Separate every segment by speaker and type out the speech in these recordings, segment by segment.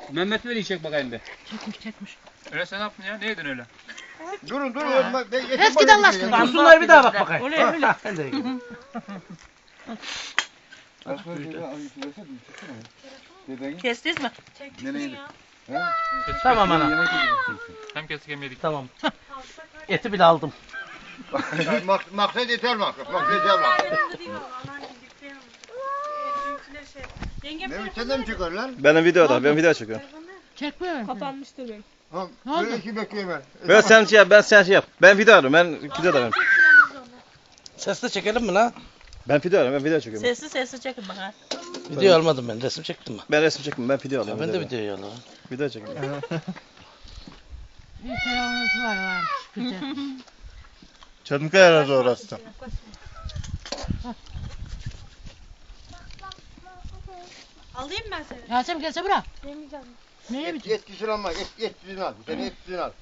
Speaker 1: Mehmet Veli'yi çek bakayım bir.
Speaker 2: Çekmiş.
Speaker 3: Öyle sen ne yaptın ya? Ne yedin öyle?
Speaker 4: Durun.
Speaker 2: Eski Allah aşkına.
Speaker 5: Dursunlar bir daha bak bakayım.
Speaker 2: Öyle.
Speaker 5: Ben de yiyeyim.
Speaker 2: Kestiniz mi?
Speaker 5: Tamam ana.
Speaker 3: Hem kesik hem yedik.
Speaker 5: Tamam. Eti bile aldım.
Speaker 4: Maksat yeter maksat. Ne senden mi çıkar lan?
Speaker 6: Benim videoda, ben video çekiyorum.
Speaker 2: Çekmiyorum.
Speaker 7: Kapanmıştır benim.
Speaker 4: Böyle iki bekleyemem.
Speaker 6: Ben sen şey yap, ben yap. Ben video arıyorum, ben videoda benim.
Speaker 5: Sesli çekelim mi lan?
Speaker 6: Ben video arıyorum, ben video çekiyorum.
Speaker 2: Sessiz çekin bak ha.
Speaker 5: Video almadım ben. Resim çektim mi?
Speaker 6: Ben resim çekmiyorum, ben video alıyorum.
Speaker 5: Ben de video alıyorum.
Speaker 6: Video çekiyorum.
Speaker 2: Bir selamınız var. Güzel.
Speaker 4: Çankaya arası orası.
Speaker 7: Alayım ben seni.
Speaker 2: Yasemin gelse bırak.
Speaker 7: Yemeyeceğim.
Speaker 2: Neye biçim?
Speaker 4: Etkisini alma, etkisini al. Sen etkisini al.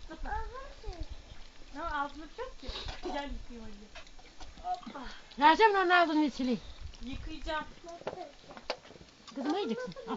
Speaker 7: Ne ağzını çok ki. Güzel yıkayayım hadi.
Speaker 2: Yasemin onun ağzını içili.
Speaker 7: Yıkayacağım.
Speaker 2: Kızım yiyeceksin. Al.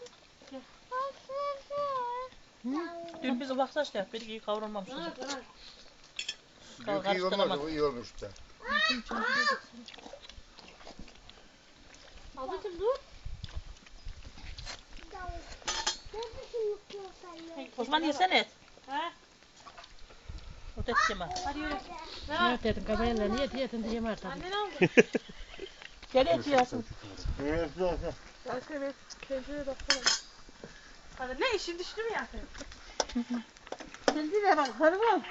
Speaker 8: Dün biz ufak saçlı yaptık. Bir kavrulmamış.
Speaker 4: Yok iyi olmadı, o iyi olmuş da.
Speaker 7: Ablacığım dur.
Speaker 8: Osman yesene et.
Speaker 7: He?
Speaker 8: O da yeme.
Speaker 7: Hadi yürü.
Speaker 2: Ne dedin kabayla niye diyeceğim artık.
Speaker 7: Annen aldı.
Speaker 8: Gel et yiyorsun.
Speaker 7: Başka bir kendine bakalım. Hadi ne işin düştü mü Yasemin?
Speaker 2: Kendine bak hanımım.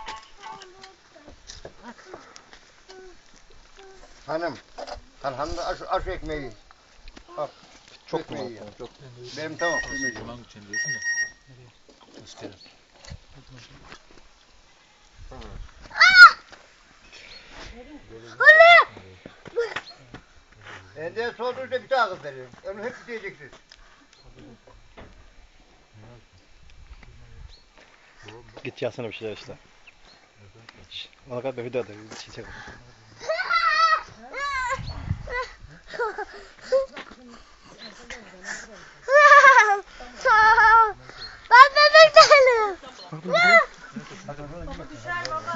Speaker 4: Hanım da aş ekmeği. Al.
Speaker 6: Çok
Speaker 4: ekmeği
Speaker 6: mu?
Speaker 4: ya.
Speaker 6: Çok.
Speaker 4: Benim tamam.
Speaker 3: Yalan için diyorsun da. İsterim.
Speaker 4: Ende sorduğunda bir daha kız veririm. Onu hep diyeceksiniz.
Speaker 6: Git yazsana bir şeyler işte. Ona kadar ben videoda bir şey çekiyorum.
Speaker 7: Ben bebek değilim.
Speaker 4: Baba
Speaker 7: düşer baba.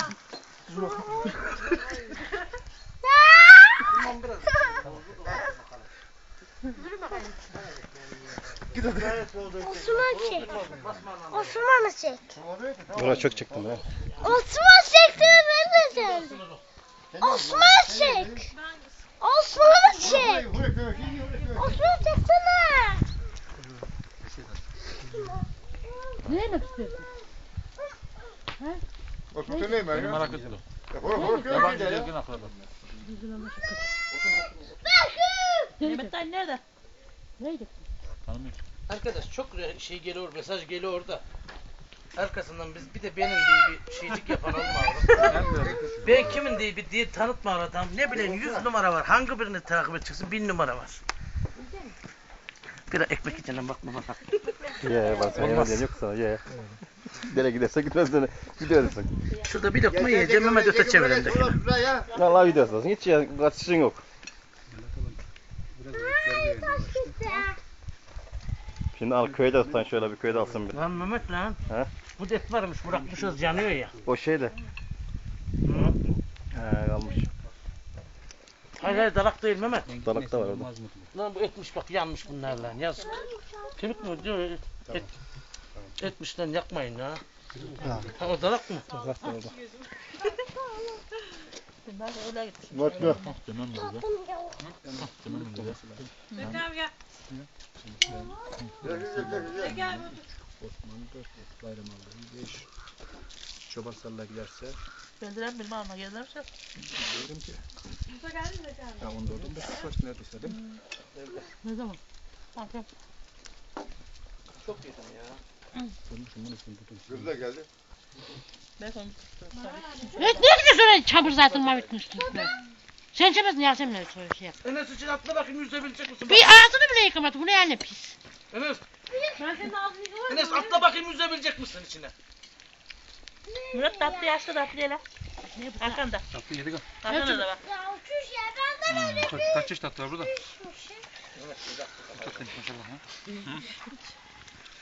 Speaker 9: Osman çek. Osman'ı çek.
Speaker 6: Buna çok çektim ya.
Speaker 9: Osman çekti ben de geldim. Osman çek. Osman'ı çek. Osman çeksene.
Speaker 2: Ne yemek istiyorsun?
Speaker 4: Osman ne mi?
Speaker 3: Benim merak ettim. Yabancı gezgin akraba.
Speaker 8: Mehmet dayı nerede?
Speaker 2: Ne yiyeceksin?
Speaker 3: Tanımıyorum.
Speaker 5: Arkadaş çok şey geliyor, mesaj geliyor orada. Arkasından biz bir de benim diye bir şeycik yapan olma. Ben kimin diye tanıtma adam. Ne bileyim 100 numara var. Hangi birini takip edeceksin? 1000 numara var. Bir de ekmek içine bakma bak.
Speaker 6: Ye bak sen yemeğin yok sana ye. Nereye giderse gitmez seni. Gidiyorsun.
Speaker 5: Şurada bir lokma yiyeceğim Mehmet öte çevireyim de.
Speaker 6: Vallahi gidiyorsun. Hiç ya kaçışın yok. Şimdi al köyde tutan şöyle bir köyde alsın bir.
Speaker 5: Lan Mehmet lan.
Speaker 6: He?
Speaker 5: Bu det varmış bırakmışız yanıyor ya.
Speaker 6: O şey de. He kalmış.
Speaker 5: Hayır dalak değil Mehmet.
Speaker 6: Dalak da var orada.
Speaker 5: Lan bu etmiş bak yanmış bunlar lan yazık. Kemik mi diyor etmiş lan yakmayın ha. Ha o dalak mı?
Speaker 6: Dalak da orada.
Speaker 8: Ben de öyle gitmişim.
Speaker 4: Mutlu.
Speaker 3: Demem mi burada? Demem mi burada?
Speaker 7: Beklerim gel. Gel
Speaker 1: Osman'ın 4 bayram aldığı 5 çoban salla giderse
Speaker 8: Bendiren bir mama gelirse.
Speaker 1: diyorum ki
Speaker 7: Musa geldi mi Beklerim?
Speaker 1: ya 14'ün 5 kaç neredeyse değil mi?
Speaker 2: Ne zaman?
Speaker 8: Bakın.
Speaker 5: Çok yedim ya.
Speaker 1: Bulmuşum bunu şimdi tutun.
Speaker 4: Kız da geldi.
Speaker 8: Ben onu tuttum.
Speaker 2: Evet ne güzel çabur zaten bitmişti. Sen çabasın Yasemin'le öyle şey yap.
Speaker 5: Enes için atla bakayım yüzebilecek misin?
Speaker 2: Bir ağzını bile yıkamadı. Bu ne yani pis.
Speaker 5: Enes,
Speaker 7: Ben senin ağzını yıkamadım.
Speaker 5: Enes atla bakayım yüzebilecek misin içine?
Speaker 8: Murat tatlı yaşlı tatlı yele. Arkanda.
Speaker 3: Tatlı yedik ha.
Speaker 8: Arkanda da bak.
Speaker 9: Ya uçuş ya ben de böyle
Speaker 3: Kaç çeşit tatlı var burada? Çok maşallah ha.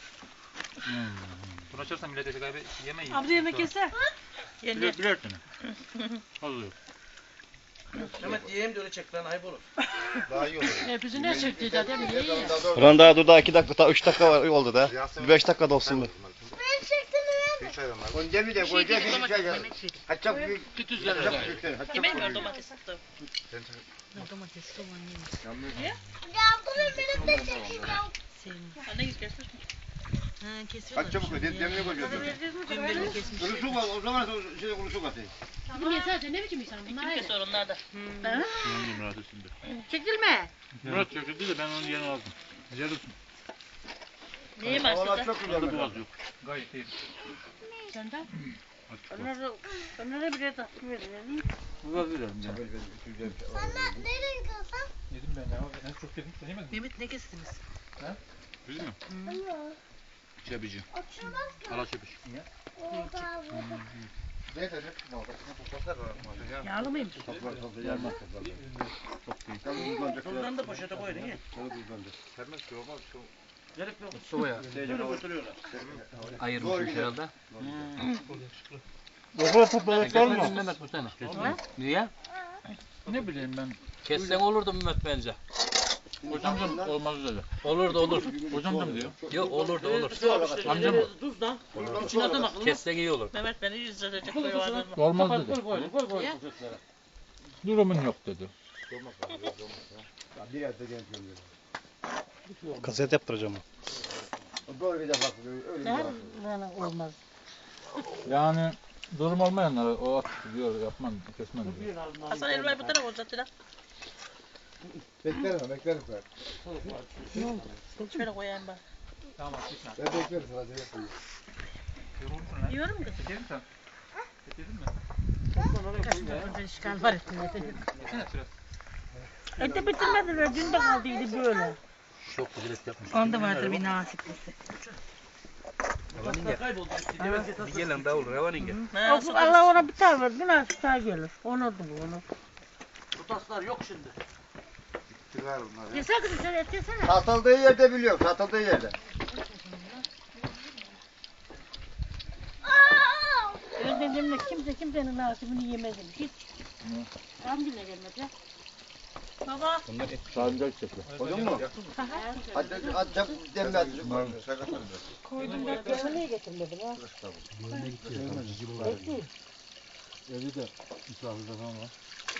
Speaker 3: Bunu açarsan millet kaybı yemeyin.
Speaker 8: Abla yemek yese.
Speaker 3: Birer birer tane. Fazla yok.
Speaker 5: Mehmet yiyeyim de öyle çek lan ayıp olur.
Speaker 4: Daha iyi olur.
Speaker 2: Hepsi ne çekti de değil mi? İyi ya.
Speaker 6: Ulan daha dur daha 2 dakika, daha 3 dakika var, oldu da. 5 dakika da olsun mu?
Speaker 9: Ben çektim
Speaker 4: Bir çay var. Onu cemi de koyacak bir çay var. Hatta bir
Speaker 3: Tütüz
Speaker 4: hatta
Speaker 3: yerler.
Speaker 4: bir
Speaker 8: Yemeğin var domates attım.
Speaker 7: Domates, soğan yemiş.
Speaker 9: ya. Bunu benim de çekeceğim.
Speaker 8: Anne git göster.
Speaker 7: Ha kesiyorlar.
Speaker 4: Hatta çabuk koy. Demle koyuyorsun.
Speaker 7: Dün kesmiş.
Speaker 4: Kuru su var. O zaman şey kuru su katayım.
Speaker 2: Bunu yesene ne biçim insan bunlar
Speaker 8: Kim
Speaker 2: ayrı.
Speaker 8: kesiyor onlar da?
Speaker 3: Şimdi Murat üstünde.
Speaker 2: Çekilme.
Speaker 3: Murat çöktü de ben onun yerine aldım. Yarısın.
Speaker 8: Neyi
Speaker 4: Havalar
Speaker 8: başladı?
Speaker 4: çok güzel.
Speaker 3: Orada boğaz yok. Gayet iyi.
Speaker 2: Senden?
Speaker 8: Onlara bile tatlı verelim.
Speaker 3: Boğaz verelim ya.
Speaker 9: Sana nereye gidiyorsun?
Speaker 3: Yedim ben ya. En çok yedim. Sen yemedin mi?
Speaker 7: Mehmet ne kestiniz?
Speaker 3: Biz mi? Çebici.
Speaker 9: Açılmaz ki.
Speaker 3: Ala çebiç.
Speaker 9: Orada burada.
Speaker 4: Neyse ne tutma.
Speaker 2: Yağlı mıymış?
Speaker 4: Toplar toplar yermez toplar.
Speaker 3: Çok değil.
Speaker 4: Tabii uzanacak.
Speaker 5: Ondan da poşete koydun ya.
Speaker 4: Tabii uzanacak.
Speaker 1: Sermez ki olmaz.
Speaker 5: Gerek yok.
Speaker 1: Soya.
Speaker 5: Böyle götürüyorlar.
Speaker 1: Ayırmış herhalde.
Speaker 3: Okula toplayacak var mı?
Speaker 10: Mehmet bu sene. Niye?
Speaker 3: Ne bileyim ben.
Speaker 10: Kessen olurdu Mehmet bence.
Speaker 3: Hocamcım olmaz dedi.
Speaker 10: Olurdu olur.
Speaker 3: Hocamcım diyor.
Speaker 10: Yok olurdu olur.
Speaker 3: Amcam mı?
Speaker 5: Tuz lan.
Speaker 8: İçine atın akıllı.
Speaker 10: Kessen iyi olur.
Speaker 8: Mehmet beni izletecek böyle vardı.
Speaker 3: Olmaz dedi. Durumun yok dedi.
Speaker 4: Bir yerde genç oluyor.
Speaker 6: Kaset yaptıracağım.
Speaker 4: Böyle bir de bak öyle bir
Speaker 2: Olmaz.
Speaker 3: Yani durum olmayanlara o at diyor yapmam kesmem diyor.
Speaker 8: Hasan elmayı bu tarafa uzattı lan.
Speaker 4: Beklerim beklerim ben.
Speaker 8: Şöyle koyayım ben.
Speaker 4: Ben beklerim sana diye yapayım.
Speaker 8: Yiyorum mu?
Speaker 3: Çekelim sen. Çekelim mi?
Speaker 2: Ben işgal var ettim.
Speaker 8: Ete bitirmediler. Dün de kaldıydı böyle.
Speaker 10: Çok güzel et yapmış.
Speaker 7: Onda vardır bir nasiplisi.
Speaker 5: Kayboldu.
Speaker 10: Bir gelen daha olur. Revan inge.
Speaker 8: Allah ona bir tane verdi. Nasıl daha gelir. Onu da bu onu.
Speaker 5: Bu taslar yok şimdi.
Speaker 4: Çıkar bunlar.
Speaker 2: Yesene kızım sen et yesene.
Speaker 4: Satıldığı yerde biliyorum. Satıldığı yerde.
Speaker 2: Özlemle kimsenin nasibini yemedim. Hiç. Hamdülillah gelmedi.
Speaker 8: Baba.
Speaker 10: Bunlar et.
Speaker 3: Sağlıcak çekti.
Speaker 4: Koydun mu? Hadi çabuk demle hadi.
Speaker 2: Koydum da niye getirmedin ha?
Speaker 3: Evde de misafirde falan var.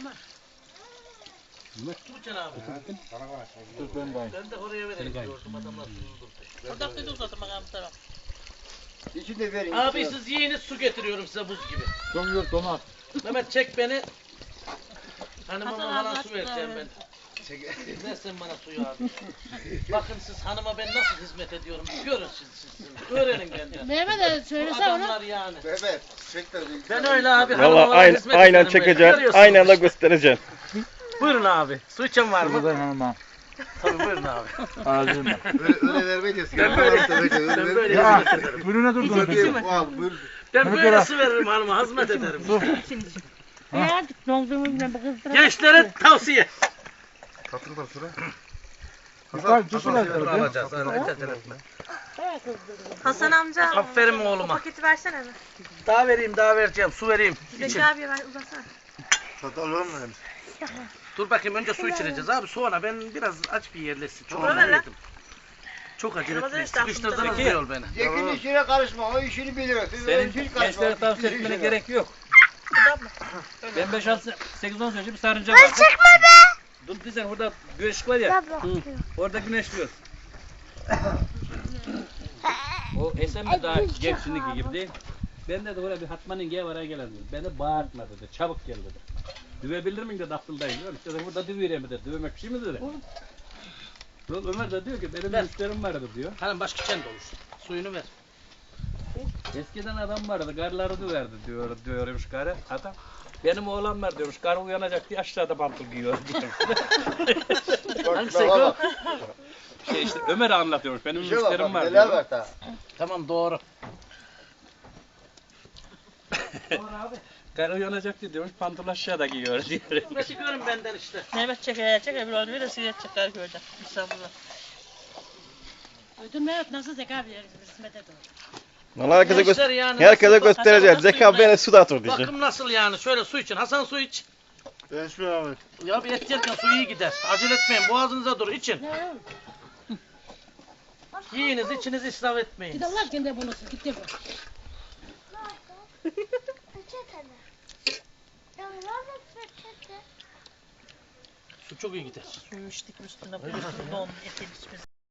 Speaker 5: Tuğçen abi.
Speaker 3: Dur ben de
Speaker 5: Ben de oraya vereyim diyordum adamlar suyunu
Speaker 8: Orada da uzatın bakalım tamam.
Speaker 4: İçinde verin.
Speaker 5: Abi siz yiyiniz su getiriyorum size buz gibi.
Speaker 3: Don donat.
Speaker 5: Mehmet çek beni. Hanıma
Speaker 8: Hasan
Speaker 5: bana
Speaker 8: abi,
Speaker 5: su vereceğim ben. Ver sen bana suyu abi. Bakın siz hanıma ben nasıl hizmet ediyorum. Görün siz. Öğrenin benden.
Speaker 2: Mehmet'e
Speaker 5: Bu
Speaker 2: söylesene onu.
Speaker 5: adamlar yani.
Speaker 4: Evet. Çek de.
Speaker 5: Ben öyle abi
Speaker 6: Valla
Speaker 5: hanıma hizmet
Speaker 6: aynen
Speaker 5: ederim böyle.
Speaker 6: çekeceksin.
Speaker 5: Görüyorsunuz
Speaker 6: Aynen da
Speaker 5: işte.
Speaker 6: göstereceksin.
Speaker 5: Buyurun abi. Su içen var mı?
Speaker 3: Buradan hanıma.
Speaker 5: Tabii buyurun abi.
Speaker 3: Ağzına.
Speaker 4: Öyle vermeyeceğiz.
Speaker 5: Ben böyle
Speaker 3: Ya
Speaker 5: hizmet ederim.
Speaker 3: buyurun ne durdun?
Speaker 5: Ben böyle su veririm hanıma hizmet ederim.
Speaker 2: Ya donduğumuzla bu kızdıra.
Speaker 5: Gençlere tavsiye.
Speaker 4: Katıl sıra.
Speaker 3: Yukarı düşüler.
Speaker 5: Alacağız. Acele etme.
Speaker 7: Hasan amca.
Speaker 5: Aferin oğluma.
Speaker 7: Paketi versene mi?
Speaker 5: Daha vereyim, daha vereceğim. Su vereyim.
Speaker 7: Zeki abiye ver uzatsana.
Speaker 4: Satal olur mu?
Speaker 5: Dur bakayım önce su içireceğiz abi. Sonra ben biraz aç bir yerleşsin. Çok
Speaker 8: Olur
Speaker 5: acele
Speaker 8: lan.
Speaker 5: ettim. Çok acele
Speaker 8: Ramazan
Speaker 5: ettim.
Speaker 8: işte
Speaker 5: Sıkıştırdınız
Speaker 8: aklımda
Speaker 5: diyor beni.
Speaker 4: Zeki'nin işine karışma. O işini biliyor. Siz
Speaker 10: Senin
Speaker 4: hiç karışma.
Speaker 10: gençlere tavsiye
Speaker 4: Bizim
Speaker 10: etmene
Speaker 4: işine.
Speaker 10: gerek yok. Ben 8-10 sene bir sarınca
Speaker 9: Ben
Speaker 10: var.
Speaker 9: çıkma be.
Speaker 10: Dur sen burada güneş var ya. Orada güneşliyor. O Esen de daha genç şimdiki gibi değil. Ben de oraya bir Hatman'ın gel oraya gelen dedi. Beni bağırtma dedi. Çabuk gel dedi. Düvebilir miyim dedi akıldayım diyor. İşte burada düveyim dedi. Düvemek bir şey mi dedi. Ömer de diyor ki benim müşterim vardı diyor.
Speaker 5: Hanım başka kendi olur. Suyunu ver.
Speaker 10: Eskiden adam vardı, karıları düverdi diyormuş karı. Adam, benim oğlan var diyormuş, karı uyanacak diye aşağıda pantol giyiyor diyormuş.
Speaker 5: Hangisi o?
Speaker 10: Şey işte Ömer anlatıyormuş, benim
Speaker 4: İşe bak,
Speaker 10: müşterim var
Speaker 4: neler
Speaker 10: diyor.
Speaker 4: var daha.
Speaker 5: Tamam doğru.
Speaker 10: Karı uyanacak diyormuş, pantol aşağıda giyiyor diyor.
Speaker 5: Çıkıyorum benden işte.
Speaker 8: Mehmet çeker bir onu bir de sigaret çeker göreceğim. İstanbul'da.
Speaker 2: Duydun mu? Evet, nasıl zeka bir hizmet ediyor.
Speaker 6: Vallahi herkese,
Speaker 5: Gençler yani
Speaker 6: herkese
Speaker 5: nasıl-
Speaker 6: göstereceğiz.
Speaker 5: Hasan,
Speaker 6: Zeka beni suda atır diyecek.
Speaker 5: Bakım nasıl yani? Şöyle su için. Hasan su iç.
Speaker 4: Ben şu an.
Speaker 5: Ya bir et yerken su iyi gider. Acele etmeyin. Boğazınıza dur. için.
Speaker 2: Ne?
Speaker 5: Yiyiniz, içinizi israf etmeyin.
Speaker 2: Git Allah kendi bunu git de.
Speaker 9: Peçete mi? Ya nerede peçete?
Speaker 5: Su çok iyi gider.
Speaker 8: Suyu içtik üstüne. Don etin içmesi.